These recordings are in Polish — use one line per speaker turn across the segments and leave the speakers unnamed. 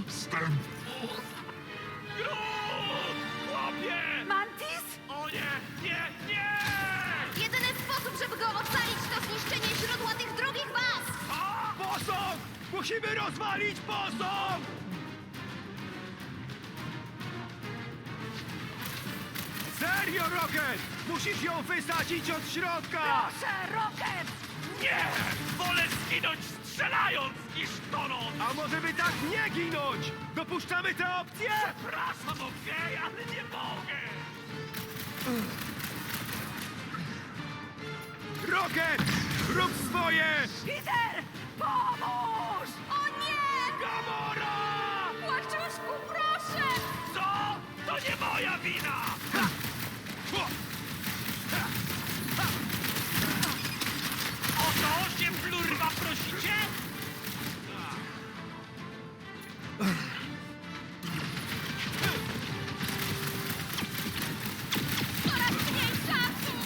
Chłopie!
Mantis?
O nie, nie, nie!
Jedyny sposób, żeby go ocalić, to zniszczenie źródła tych drugich baz!
Posąg! Musimy rozwalić posąg! Serio, Rocket! Musisz ją wysadzić od środka!
Proszę, Rocket!
Nie! Wolę zginąć strzelając niż tonąc!
A może by tak nie ginąć? Dopuszczamy tę opcję?
Przepraszam, okej, ale nie mogę!
Rocket! Rób swoje!
Peter! Pomóż! O nie!
Gamora!
Płaczuszku, proszę!
Co? To nie moja wina! O to się plurwa prosicie?
Coraz mniej czasu!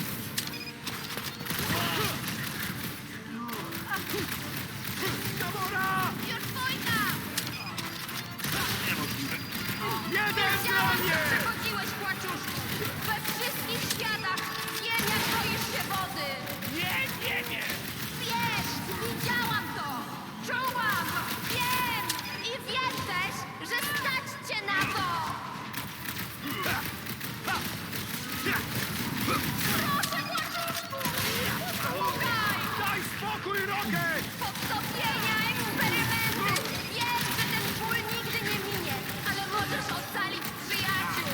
Gamora!
Już wojna!
Niemożliwe.
Jeden
Wiedziałam, że
bronię!
przechodziłeś, płaczuszku! We wszystkich światach wiem, jak boisz się wody!
Nie, nie, nie!
Wiesz, widziałam to! Czułam! Wiem! I wiem też, że stać cię na to! Proszę, płaczuszku! Słuchaj!
Daj spokój, Rocket!
Podtopienia, eksperymenty! Wiem, że ten ból nigdy nie minie, ale możesz ocalić przyjaciół!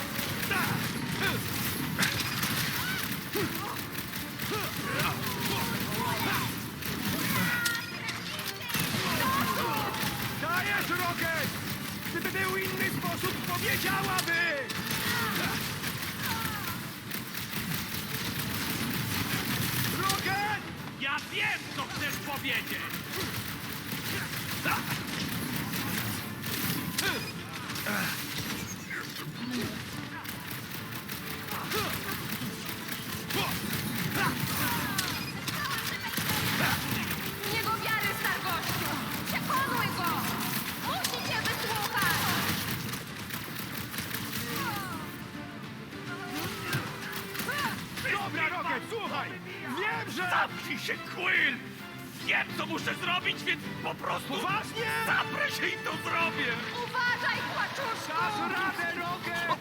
Dajesz, Rocket! Gdyby był inny sposób, powiedziałaby! Rocket!
Ja wiem, co chcesz powiedzieć!
Nie go wiary, stargościu! Przekonuj go! Musi cię wysłuchać!
Dobra, Rocket, słuchaj! Wiem, że...
Zamknij się, Quill! Wiem, co muszę zrobić, więc po prostu...
Poważnie?
Zaprę się i to zrobię!
Uważaj, płaczuszku!
Dasz radę, Rocket!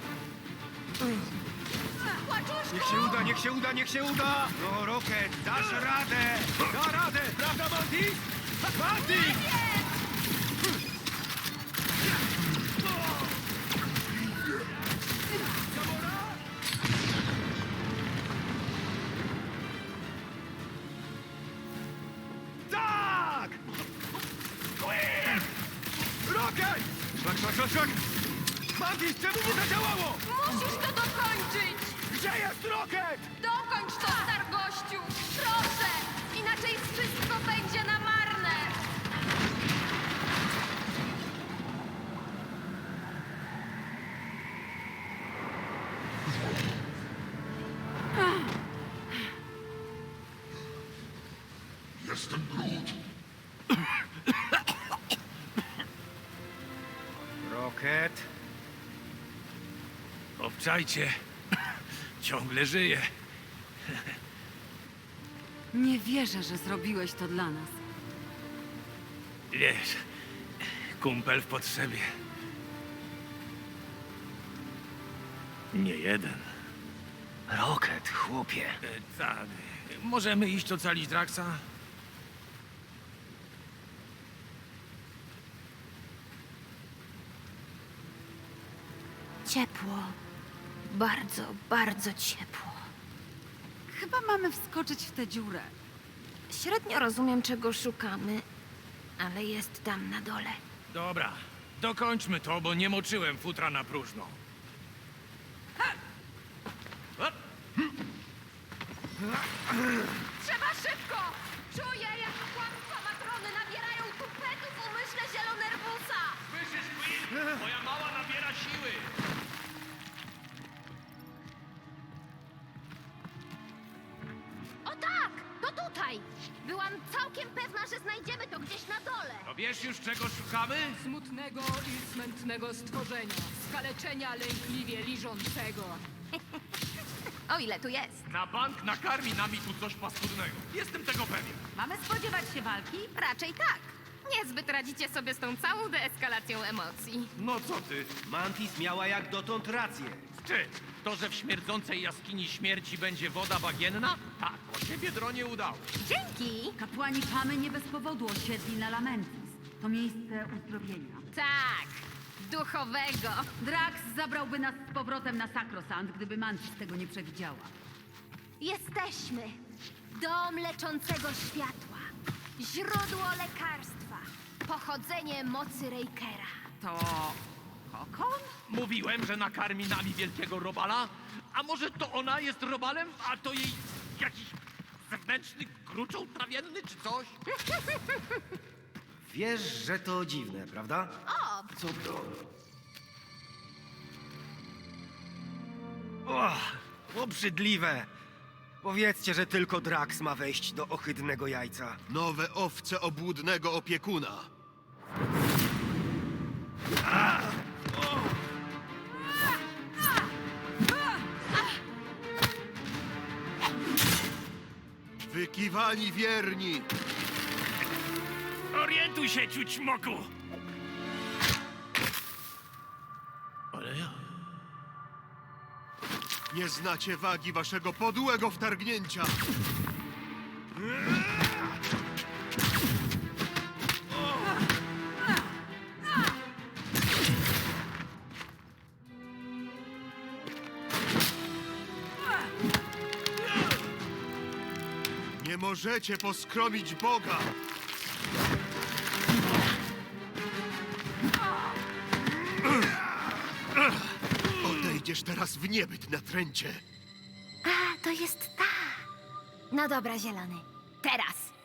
Płaczuszku!
Niech się uda, niech się uda, niech się uda! No, Rocket, dasz radę! Da radę, prawda, Mantis? Mantis! Gamora? Tak!
Quill!
Rocket! Szlak, szlak, szlak, szlak! Mantis, czemu nie zadziałało?
Musisz to dokończyć!
Gdzie jest Rocket?
Dokończ to, stargościu! Proszę! Inaczej wszystko będzie na marne!
Jestem Groot.
Rocket?
Obczajcie. Ciągle żyje.
Nie wierzę, że zrobiłeś to dla nas.
Wiesz, kumpel w potrzebie. Nie jeden.
Rocket, chłopie.
Tak. Możemy iść ocalić Draxa?
Ciepło. Bardzo, bardzo ciepło.
Chyba mamy wskoczyć w tę dziurę.
Średnio rozumiem, czego szukamy, ale jest tam na dole.
Dobra, dokończmy to, bo nie moczyłem futra na próżno. Hop!
Trzeba szybko! Czuję, jak kłamstwa matrony nabierają tupetu w umyśle zielonerwusa!
Słyszysz, Quill? Moja mała nabiera siły.
O tak! To tutaj! Byłam całkiem pewna, że znajdziemy to gdzieś na dole.
To wiesz już, czego szukamy?
Smutnego i smętnego stworzenia, skaleczenia lękliwie liżącego.
O ile tu jest?
Na bank nakarmi nami tu coś paskudnego. Jestem tego pewien.
Mamy spodziewać się walki? Raczej tak. Niezbyt radzicie sobie z tą całą deeskalacją emocji.
No co ty?
Mantis miała jak dotąd rację.
Czy to, że w śmierdzącej jaskini śmierci będzie woda bagienna? Tak, o się Biedronie udało.
Dzięki!
Kapłani Pamy nie bez powodu osiedli na Lamentis. To miejsce uzdrowienia.
Tak, duchowego.
Drax zabrałby nas z powrotem na Sakrosant, gdyby Mantis tego nie przewidziała.
Jesteśmy dom leczącego światła, źródło lekarstwa, pochodzenie mocy Reikera.
To... Kokon?
Mówiłem, że nakarmi nami wielkiego robala? A może to ona jest robalem, a to jej jakiś zewnętrzny kruczoł trawienny czy coś?
Wiesz, że to dziwne, prawda?
O,
Co to? Och, obrzydliwe! Powiedzcie, że tylko Drax ma wejść do ohydnego jajca.
Nowe owce obłudnego opiekuna. Wykiwani wierni!
Orientuj się, ciućmoku! Ale ja...
Nie znacie wagi waszego podłego wtargnięcia! Nie możecie poskromić Boga! Odejdziesz teraz w niebyt na tręcie.
a, to jest ta. No dobra, zielony. Teraz.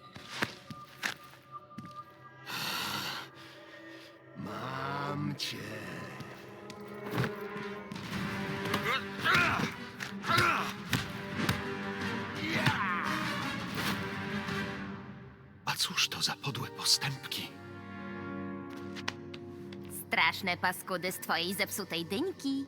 Mam cię. A cóż to za podłe postępki?
Straszne paskudy z twojej zepsutej dyńki.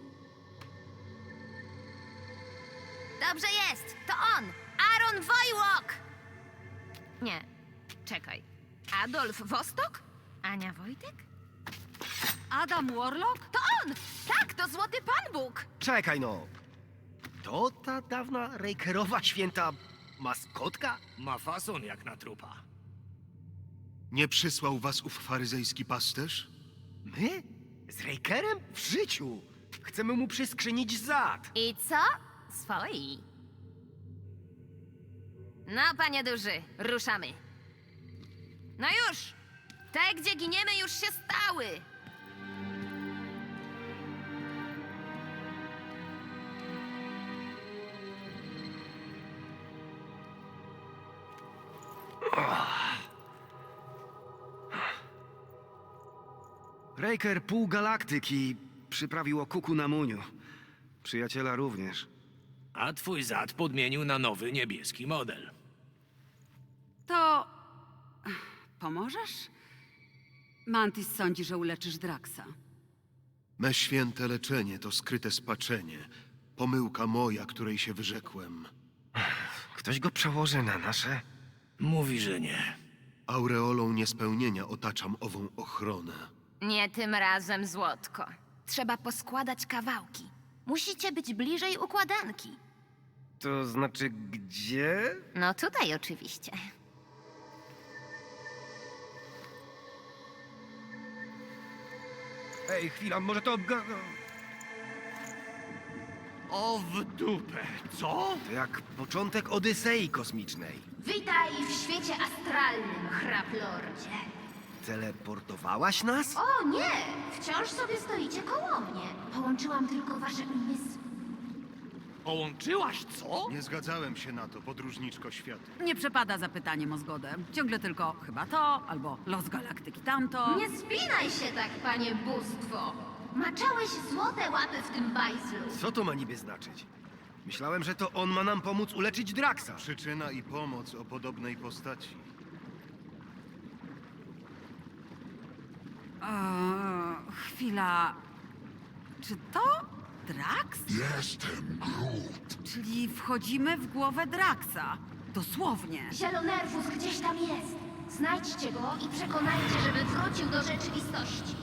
Dobrze jest, to on! Aaron Wojłok! Nie, czekaj. Adolf Wostok? Ania Wojtek?
Adam Warlock?
To on! Tak, to Złoty Pan Bóg!
Czekaj no! To ta dawna Reikerowa święta maskotka?
Ma fason jak na trupa.
Nie przysłał was ów faryzejski pasterz?
My? Z Reikerem? W życiu! Chcemy mu przyskrzynić zad!
I co? Swoi. No, panie duży, ruszamy. No już! Te, gdzie giniemy, już się stały!
Reiker pół galaktyki przyprawił o kuku na muniu. Przyjaciela również.
A twój zad podmienił na nowy niebieski model.
To... Pomożesz? Mantis sądzi, że uleczysz Draxa.
Me święte leczenie to skryte spaczenie. Pomyłka moja, której się wyrzekłem.
Ktoś go przełoży na nasze?
Mówi, że nie.
Aureolą niespełnienia otaczam ową ochronę.
Nie tym razem, Złotko. Trzeba poskładać kawałki. Musicie być bliżej układanki.
To znaczy gdzie?
No tutaj oczywiście.
Ej, chwila, może to...
O w dupę, co?
To jak początek Odysei kosmicznej.
Witaj w świecie astralnym, hraplordzie.
Teleportowałaś nas?
O nie! Wciąż sobie stoicie koło mnie. Połączyłam tylko wasze umysły.
Połączyłaś co?
Nie zgadzałem się na to, podróżniczko świata.
Nie przepada za pytaniem o zgodę. Ciągle tylko chyba to, albo los galaktyki tamto.
Nie spinaj się tak, panie bóstwo. Maczałeś złote łapy w tym bajzlu.
Co to ma niby znaczyć? Myślałem, że to on ma nam pomóc uleczyć Draxa.
Przyczyna i pomoc o podobnej postaci.
Chwila. Czy to Drax?
Jestem Groot.
Czyli wchodzimy w głowę Draxa. Dosłownie.
Zielonerwus gdzieś tam jest. Znajdźcie go i przekonajcie, żeby wrócił do rzeczywistości.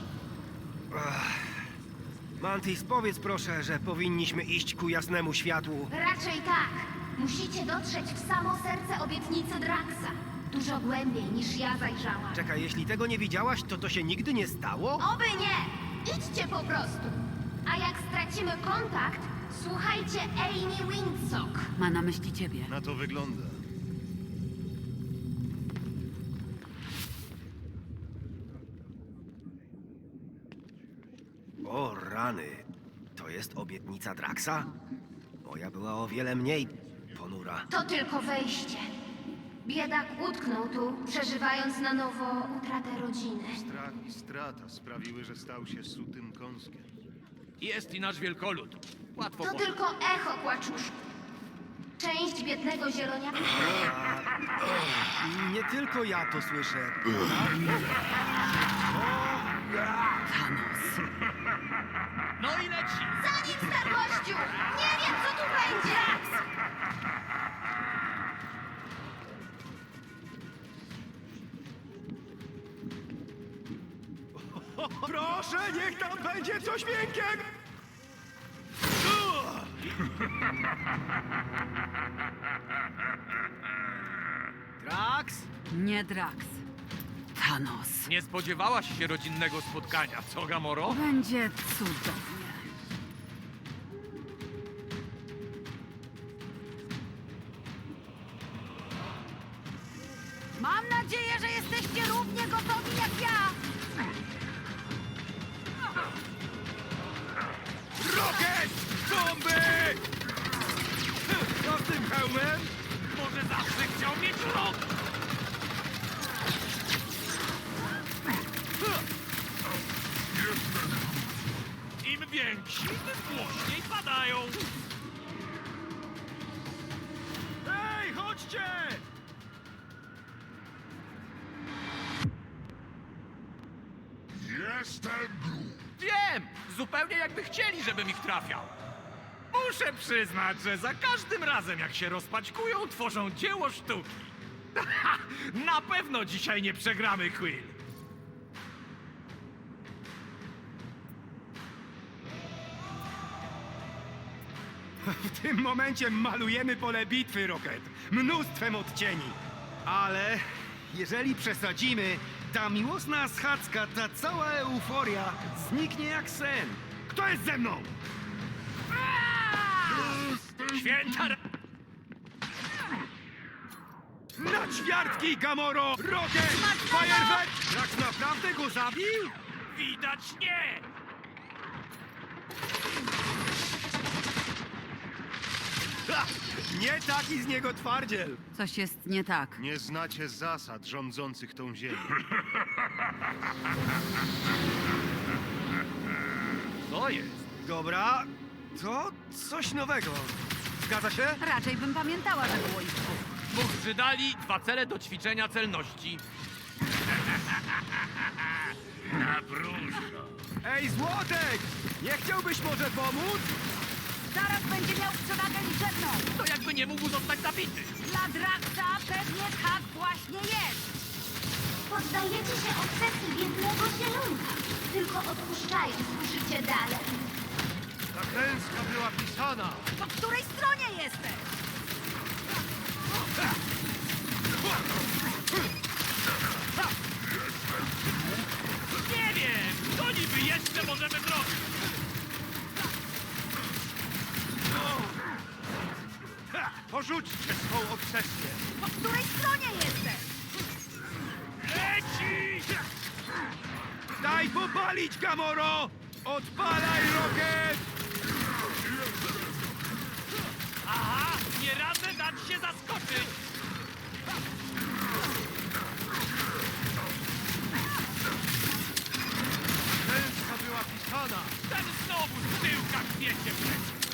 Mantis, powiedz proszę, że powinniśmy iść ku jasnemu światłu.
Raczej tak. Musicie dotrzeć w samo serce obietnicy Draxa. Dużo głębiej niż ja zajrzałam.
Czekaj, jeśli tego nie widziałaś, to się nigdy nie stało?
Oby nie! Idźcie po prostu. A jak stracimy kontakt, słuchajcie Amy Windsock.
Ma na myśli ciebie.
Na to wygląda.
O rany, to jest obietnica Draxa? Moja była o wiele mniej ponura.
To tylko wejście. Biedak utknął tu, przeżywając na nowo utratę rodziny.
Strach i strata sprawiły, że stał się sutym kąskiem.
Jest i nasz wielkolud. Łatwo
To
poznać.
tylko echo kłaczuszku. Część biednego zieloniaka.
Nie tylko ja to słyszę.
Thanos.
No i leci!
Za nim, stargościu! Nie wiem, co tu będzie!
Proszę, niech tam będzie coś miękkiego! Drax?
Nie Drax. Thanos.
Nie spodziewałaś się rodzinnego spotkania, co, Gamoro?
Będzie cudownie. Mam nadzieję, że jesteście równie gotowi jak ja.
Rocket! Bomby! Co z tym hełmem?
Może zawsze chciał mieć rok! Im więksi, tym głośniej padają.
Ej, chodźcie!
Jestem Groot.
Wiem! Zupełnie jakby chcieli, żebym ich trafiał. Muszę przyznać, że za każdym razem, jak się rozpaćkują, tworzą dzieło sztuki. Na pewno dzisiaj nie przegramy, Quill.
W tym momencie malujemy pole bitwy, Rocket. Mnóstwem odcieni. Ale jeżeli przesadzimy, ta miłosna schadzka, ta cała euforia zniknie jak sen. Kto jest ze mną?
Święta...
Na ćwiartki, Gamoro! Rocket! Fajerwerk! Drax naprawdę go zabił?
Widać nie!
Ha! Nie taki z niego twardziel.
Coś jest nie tak.
Nie znacie zasad rządzących tą ziemią.
Co jest?
Dobra, to coś nowego. Zgadza się?
Raczej bym pamiętała, że było ich dwóch.
Dwóch Żydali, 2 cele do ćwiczenia celności. Na próżno.
Ej, Złotek! Nie chciałbyś może pomóc?
Zaraz będzie miał przewagę liczebną.
To jakby nie mógł zostać zabity.
Dla Draxa pewnie tak właśnie jest.
Poddajecie się obsesji biednego zielonka, tylko odpuszczając życie dalej.
Ta klęska była pisana.
Po której stronie jesteś?
Nie wiem, co niby jeszcze możemy zrobić.
Porzućcie swą obsesję.
Po której stronie jesteś?
Leci!
Daj popalić, Gamoro! Odpalaj, Rocket!
Aha, nie radzę dać się zaskoczyć.
Klęska była pisana.
Ten znowu z tyłka kwiecie przecież.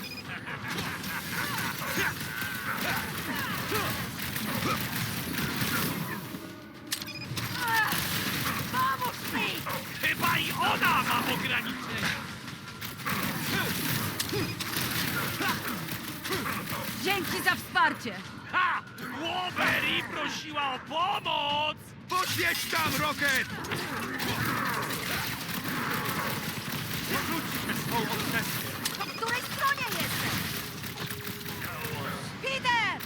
Pomóż mi!
Chyba ograniczenia.
Dzięki za wsparcie!
Ha! Wolverine prosiła o pomoc!
Poświeć tam, Rocket!
Porzućcie swą obsesję.
Po której stronie jesteś? Peter!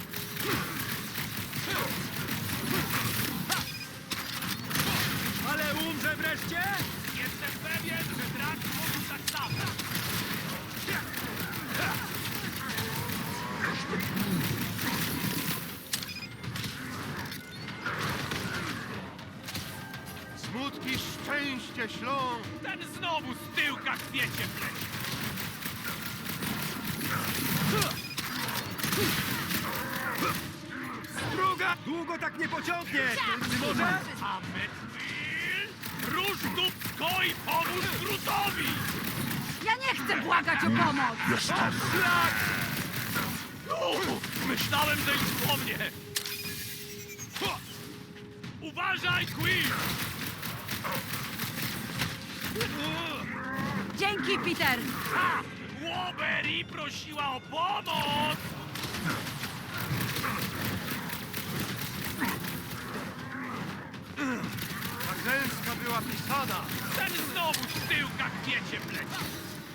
Ale umrze wreszcie?
Jestem pewien, że Drax mówił tak samo.
Smutki szczęście ślą.
Ten znowu z tyłka kwiecie pleci.
Druga! Długo tak nie pociągnie! Czy może?
A Metwil? Rusz dupsko i pomóż Grutowi!
Ja nie chcę błagać o pomoc!
Szlak! Myślałem, że już po mnie! Uważaj, Quill!
Dzięki, Peter!
Ha! Wolverine prosiła o pomoc!
Ta klęska była pisana.
Ten znowu z tyłka kwiecie pleci.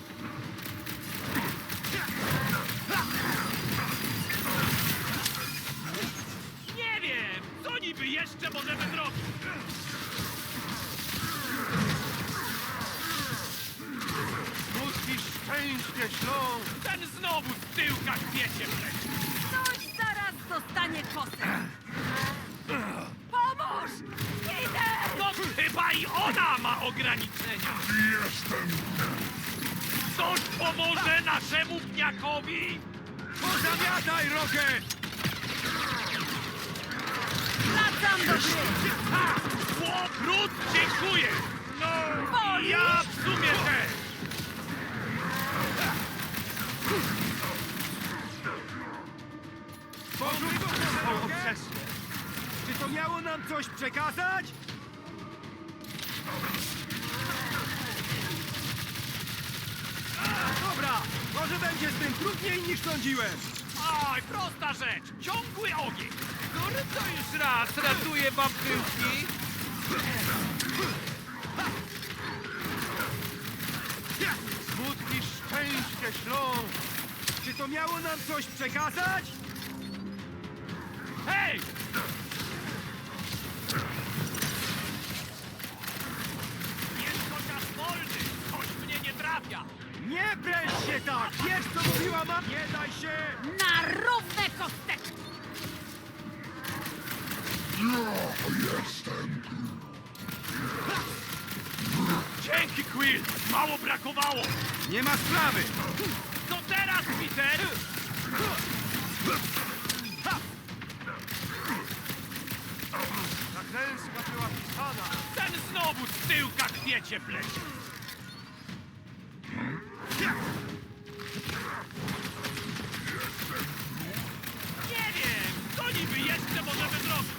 Nie wiem, co niby jeszcze możemy zrobić.
Smutki szczęście ślą.
Ten znowu z tyłka kwiecie pleci.
Ktoś zaraz dostanie kosę! Pomóż! Peter!
No chyba i ona ma ograniczenia.
Jestem.
Ktoś pomoże naszemu pniakowi?
Pozamiataj, Rocket!
Wracam do gry!
Ha! Łobrud, dziękuję! No,
Boli?
i ja w sumie też!
Porzuć swą obsesję! Czy to miało nam coś przekazać? Dobra, może będzie z tym trudniej niż sądziłem.
Oj, prosta rzecz! Ciągły ogień! Który to już raz ratuje wam tyłki?
Smutki szczęście ślą.
Czy to miało nam coś przekazać?
Hej! Jest chociaż wolny! Coś mnie nie trafia!
Nie pręż się tak! Wiesz, co mówiła ma... Nie daj się!
Na równe kosteczki!
Ja jestem.
Dzięki, Quill! Mało brakowało!
Nie ma sprawy!
Co teraz, Peter?
Ta klęska była pisana.
Ten znowu z tyłka kwiecie pleci! Nie wiem, co niby jeszcze możemy zrobić?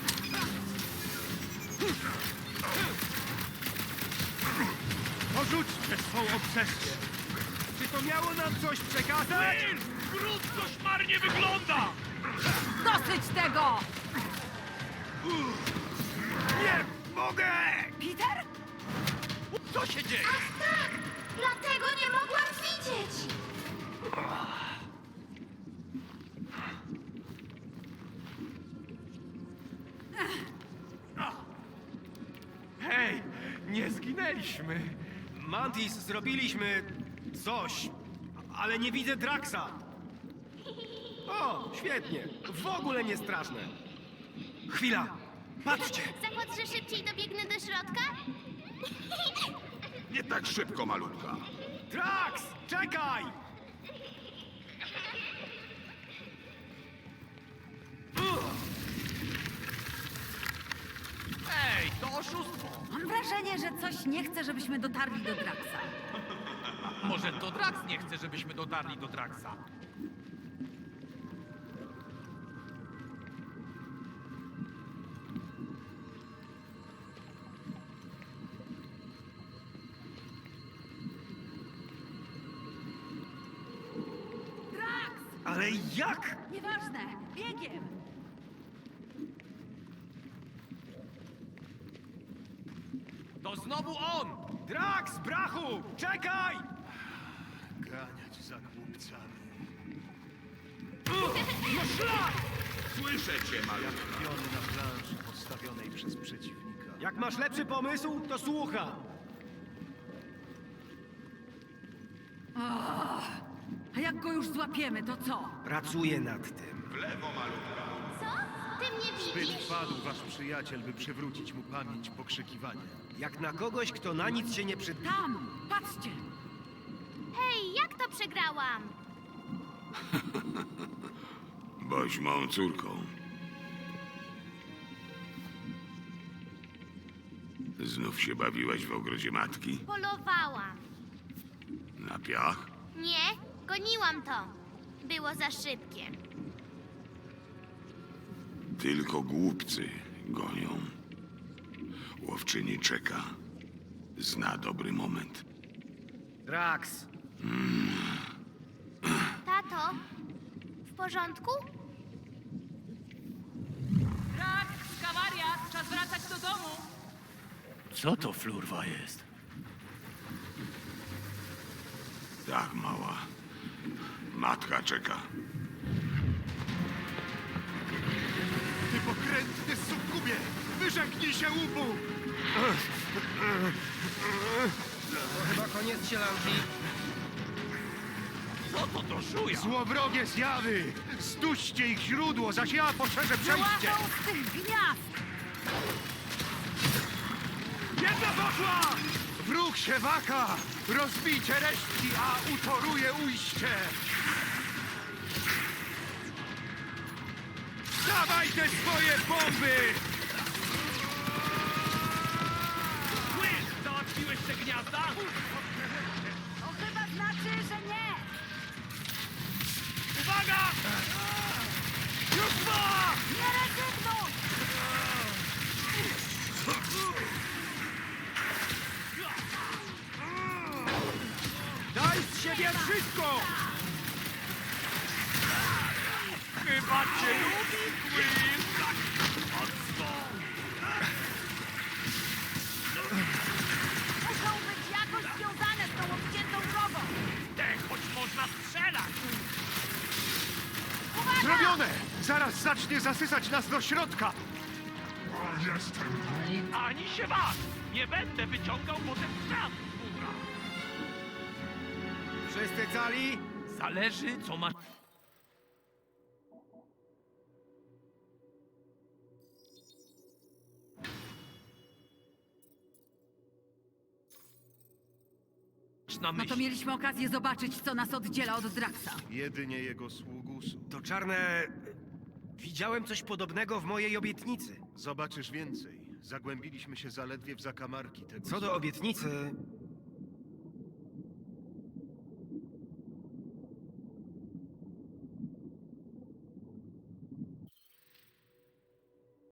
Porzućcie swą obsesję! Czy to miało nam coś przekazać?
Quill! Grud koszmarnie wygląda!
Dosyć tego!
Nie mogę!
Peter?
Co się dzieje?
Tak! Dlatego nie mogłam widzieć!
Hej, nie zginęliśmy.
Mantis, zrobiliśmy coś, ale nie widzę Draxa. O, świetnie. W ogóle nie straszne. Chwila. Patrzcie.
Zakład, że szybciej dobiegnę do środka?
Nie tak szybko, malutka.
Drax, czekaj!
Ej, to oszustwo.
Mam wrażenie, że coś nie chce, żebyśmy dotarli do Draxa.
Może to Drax nie chce, żebyśmy dotarli do Draxa.
Ale jak?
Nieważne, biegiem!
To znowu on!
Drax, brachu! Czekaj!
Ganiać za głupcami.
No szlak!
Słyszę cię, malutka.
Piony na planszy postawionej przez przeciwnika.
Jak masz lepszy pomysł, to słucham.
A jak go już złapiemy, to co?
Pracuję nad tym.
W lewo, malutka.
Co? Ty mnie
Zbyt
widzisz?
wpadł wasz przyjaciel, by przywrócić mu pamięć pokrzykiwania.
Jak na kogoś, kto na nic się nie przyda.
Tam! Patrzcie!
Hej, jak to przegrałam?
Boś mą córką. Znów się bawiłaś w ogrodzie matki?
Polowałam.
Na piach?
Nie, goniłam to. Było za szybkie.
Tylko głupcy gonią. Łowczyni czeka. Zna dobry moment.
Drax,
Tato, w porządku?
Drax, kawariat, czas wracać do domu.
Co to flurwa jest?
Tak, mała. Matka czeka.
Ty pokrętny sukubie! Wyrzeknij się łupu!
to chyba koniec sielanki.
Co to do żuja?
Złowrogie zjawy! Zduście ich źródło, zaś ja poszerzę przejście!
Wyłażą z tych gniazd!
Jedna poszła! Wróg się waka! Rozbijcie resztki, a utoruje ujście! Dawaj te swoje bomby!
Słysz, załatwiłeś te gniazda?
To chyba znaczy, że nie!
Uwaga! Już dwa!
Nie rezygnuj!
Daj z siebie wszystko!
Chyba cię lubi, Quill! Tak, mocno!
Muszą być jakoś związane z tą obciętą drogą!
Choć można strzelać!
Zrobione! Zaraz zacznie zasysać nas do środka!
Ani się was! Nie będę wyciągał potem szaf, kurwa!
Wszyscy cali?
Zależy, co ma... na
No to
myśli.
mieliśmy okazję zobaczyć, co nas oddziela od Draxa.
Jedynie jego sługusu.
To czarne... Widziałem coś podobnego w mojej obietnicy.
Zobaczysz więcej. Zagłębiliśmy się zaledwie w zakamarki tego.
Co do obietnicy,